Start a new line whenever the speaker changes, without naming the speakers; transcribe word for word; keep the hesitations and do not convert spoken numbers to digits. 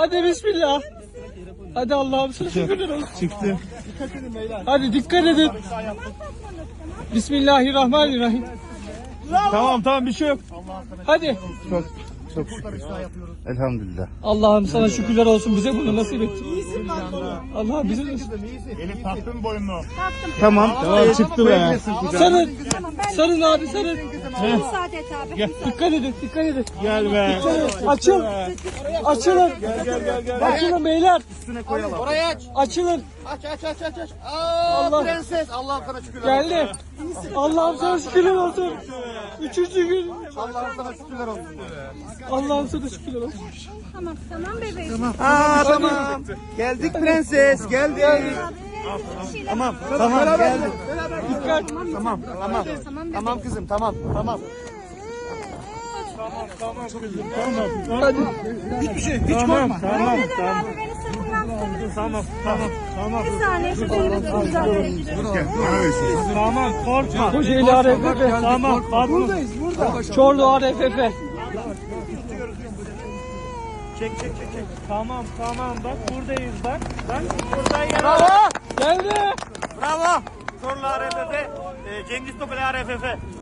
Hadi bismillah. Hadi Allah'ım sana şükürler olsun.
Çıktı.
Hadi dikkat edin. Bismillahirrahmanirrahim.
Tamam tamam bir şey yok.
Hadi.
Çok çok şükür. Elhamdülillah.
Allah'ım sana şükürler olsun, bize bunu nasip ettin. Allah'ım bize nasip.
Elif taktın boynunu.
Tamam.
Tamam çıktı be.
Sarın. Sarın abi sarın.
Müsaade et abi.
Dikkat edin, dikkat edin.
Gel be.
Açıl. Açılın. Açılın beyler.
Orayı aç.
Açılın.
Aç aç aç aç. aç. Aa,
Allah.
prenses. Allah'ım sana şükürler olsun.
Geldi. Allah'ım sana şükürler olsun. Üçüncü gün.
Allah'ım sana şükürler olsun.
Allah'ım sana şükürler olsun.
Tamam tamam bebeğim.
Aa tamam. Geldik prenses. Geldik. Tamam. Tamam geldik.
Dikkat.
Tamam. Tamam. Tamam kızım tamam. Tamam.
Hadi.
Hiçbir şey. Hiç korkma. Tamam
Abi
tamam.
beni sırtımdan tutarım.
Tamam tamam. Tamam.
Bir saniye şu elimi tutacağım.
Tamam korkma.
Kocaeli A R F F.
Tamam.
Buradayız burada. Çorlu A R F F.
Çek çek çek çek. Tamam tamam bak buradayız bak. Bak buradayız.
Bravo.
Geldi.
Bravo. Sorlu A R F F. Cengiz Topel A R F F.